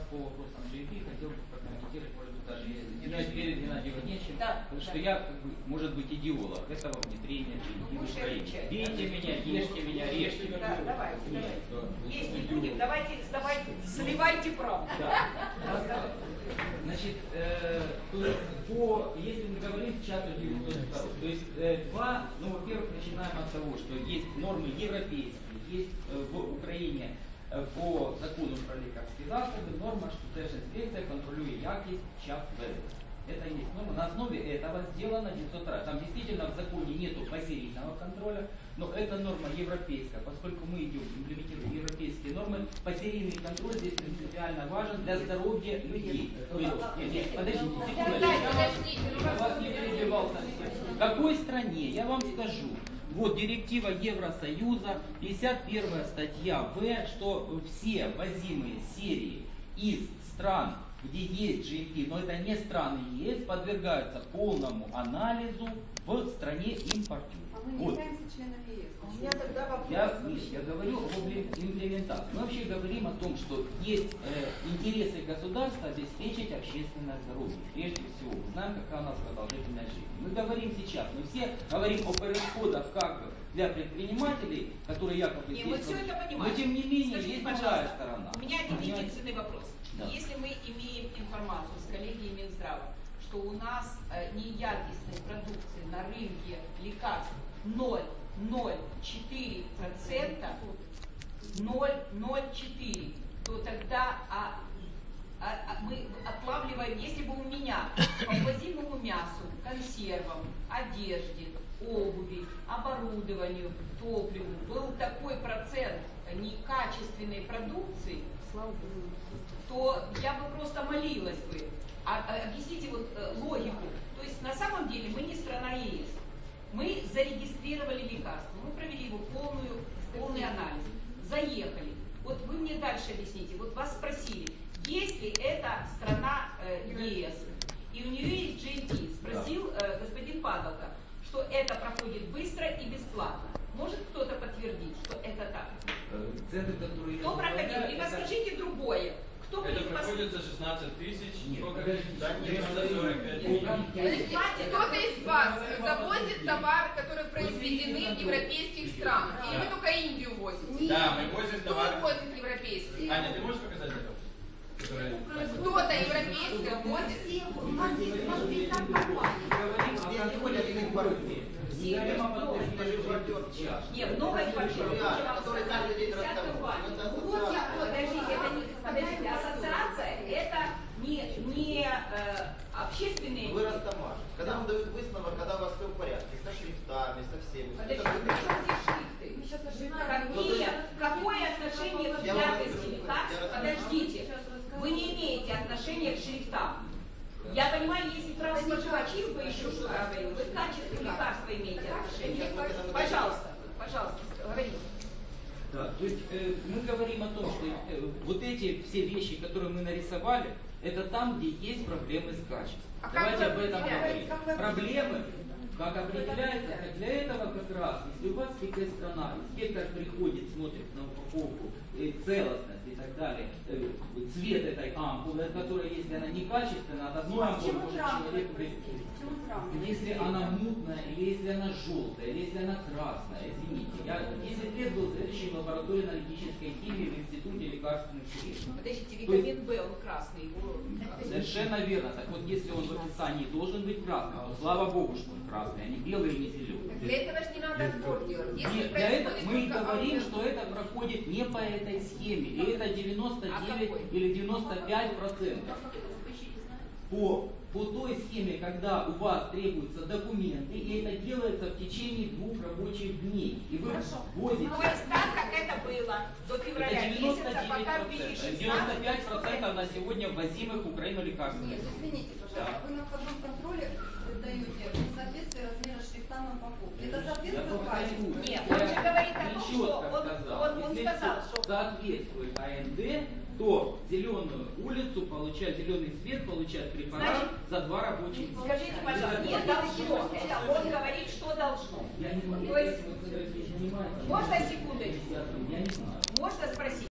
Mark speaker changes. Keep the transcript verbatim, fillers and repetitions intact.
Speaker 1: по вопросам джи эй пи хотел бы прокомментировать, может быть, даже извиняюсь перед Геннадием Владимировичем,
Speaker 2: да,
Speaker 1: потому что
Speaker 2: да.
Speaker 1: я, как бы, может быть, идеолог этого внедрения джи эй пи в Украине. Бейте меня, ешьте меня, режьте меня.
Speaker 2: Да, давайте, давайте. Есть не будем, давайте, давайте, сливайте правду.
Speaker 1: Да. Значит, э, то, по, если мы говорим сейчас о девяносто втором, то есть э, два, ну, во-первых, начинаем от того, что есть нормы европейские, есть э, в Украине э, по закону про лікарські засоби норма, что Держинспекция контролирует якость час введення. Это есть норма. На основе этого сделано девятьсот второй. Там действительно в законе нету посерийного контроля, но это норма европейская. Поскольку мы идем, имплементируем европейские нормы, посерийный контроль здесь принципиально важен для здоровья людей. То есть, нет, нет, подождите, секунду, я вас не перебивал совсем. В какой стране, я вам скажу, вот директива Евросоюза, пятьдесят первая статья В, что все возимые серии из стран, где есть джи эй пи, но это не страны ЕС, подвергаются полному анализу в стране импортера.
Speaker 3: А мы не
Speaker 1: вот.
Speaker 3: являемся членами ЕС.
Speaker 2: У меня тогда вопрос.
Speaker 1: Я, я говорю об имплементации. Мы вообще говорим о том, что есть э, интересы государства обеспечить общественное здоровье. Прежде всего, мы знаем, какая у нас продолжительность жизни. Мы говорим сейчас, мы все говорим о переходах как бы для предпринимателей, которые якобы
Speaker 2: Не,
Speaker 1: здесь...
Speaker 2: мы все это понимаем.
Speaker 1: Но тем не менее,
Speaker 2: Скажите,
Speaker 1: есть
Speaker 2: пожалуйста,
Speaker 1: другая сторона.
Speaker 2: У меня один
Speaker 1: Понимаете?
Speaker 2: единственный вопрос.
Speaker 1: Да.
Speaker 2: Если мы имеем информацию с коллегией Минздрава, что у нас э, неякостной продукции на рынке лекарств ноль целых четыре процента, ноль целых четыре процента, то тогда а, а, а мы отлавливаем, если бы у меня по ввозимому мясу, консервам, одежде, обуви, оборудованию, топливу был такой процент некачественной продукции, то я бы просто молилась бы. А, а, объясните вот э, логику. То есть на самом деле мы не страна ЕС. Мы зарегистрировали лекарство, мы провели его полную, полный анализ, заехали. Вот вы мне дальше объясните. Вот вас спросили, есть ли это страна э, ЕС, и у нее есть джи эй пи. Спросил э, господин Падалка, что это проходит быстро и бесплатно. Может кто-то подтвердить, что это так?
Speaker 1: Центры, которые...
Speaker 2: Кто проходил? Либо это... скажите другое. Кто
Speaker 4: это
Speaker 2: будет
Speaker 4: проходит за шестнадцать тысяч?
Speaker 1: Нет,
Speaker 4: да, нет, за сорок пять.
Speaker 3: Кто-то из вас завозит товар, который произведены в европейских странах? Или вы только Индию возите?
Speaker 4: Да, мы возим
Speaker 3: Кто
Speaker 4: товар.
Speaker 3: возит европейский?
Speaker 4: Аня, ты можешь показать это? Который...
Speaker 3: Кто-то европейское возит?
Speaker 1: У нас есть, у нас есть там компания.
Speaker 2: Нет, много импортеров.
Speaker 5: Которые каждый день расставляют.
Speaker 2: Вот я, подождите, это не, подождите, ассоциация это не, не э, общественные...
Speaker 5: Вы Ростомаш. Когда вам дают выставок, когда у вас все в порядке, со шрифтами, со всеми.
Speaker 2: Подождите, при чем здесь шрифты?
Speaker 3: Мы сейчас ошибаемся.
Speaker 2: Какие, какое отношение к якости лекарств? Подождите, вы не имеете отношения к шрифтам. Я понимаю, если про споживачизм вы еще что говорили, вы к качеству лекарства имеете отношение. Пожалуйста, пожалуйста, говорите.
Speaker 1: Да, то есть э, мы говорим о том, что э, вот эти все вещи, которые мы нарисовали, это там, где есть проблемы с качеством.
Speaker 3: А
Speaker 1: Давайте
Speaker 3: как
Speaker 1: об этом
Speaker 3: определяете?
Speaker 1: поговорим.
Speaker 3: Как
Speaker 1: Проблемы, как определяется, как для этого как раз, если у вас спекает страна, инспектор приходит, смотрит на упаковку, э, целостность и так далее, э, цвет этой ампулы, которая, если она некачественная, от одной ампулы может человек прийти. Если она мутная, или если она желтая, или если она красная, извините. Я десять лет был заведующим лабораторией аналитической химии в Институте лекарственных средств.
Speaker 2: Подождите, витамин В, он красный, его...
Speaker 1: Совершенно верно. Так вот, если он в описании должен быть красный, то слава богу, что он красный, а не белый и не зеленый.
Speaker 3: Для этого же не надо сбор делать. Если
Speaker 1: Нет, для этого мы и
Speaker 3: только
Speaker 1: говорим,
Speaker 3: аудио-
Speaker 1: что это проходит не по этой схеме. И это девяносто девять
Speaker 2: какой?
Speaker 1: или девяносто пять процентов. По, по той схеме, когда у вас требуются документы, и это делается в течение двух рабочих дней. И вы возите...
Speaker 2: То есть так, как это было до февраля
Speaker 1: Это девяносто
Speaker 2: месяца,
Speaker 1: девять
Speaker 2: пока ввели
Speaker 1: процентов. девяносто пять процентов на сегодня ввозимых в Украину лекарств.
Speaker 3: Нет, извините, пожалуйста, вы на входном контроле даете несоответствие размера шрифта на упаковке. Это соответствует качеству?
Speaker 2: Нет, он же говорит о том,
Speaker 1: Нечетко
Speaker 2: что он,
Speaker 1: сказал.
Speaker 2: он, он
Speaker 1: Если
Speaker 2: сказал,
Speaker 1: всё
Speaker 2: что...
Speaker 1: соответствует АНД, то зеленую улицу получает, зеленый цвет получает препарат
Speaker 2: Значит,
Speaker 1: за два рабочих дня.
Speaker 2: Скажите, пожалуйста, не должно. Это он говорит, что должно.
Speaker 1: Я не знаю,
Speaker 2: То есть-
Speaker 1: если вы, кстати, не понимаете,
Speaker 2: Можно секундочку?
Speaker 1: я не знаю.
Speaker 2: Можно спросить?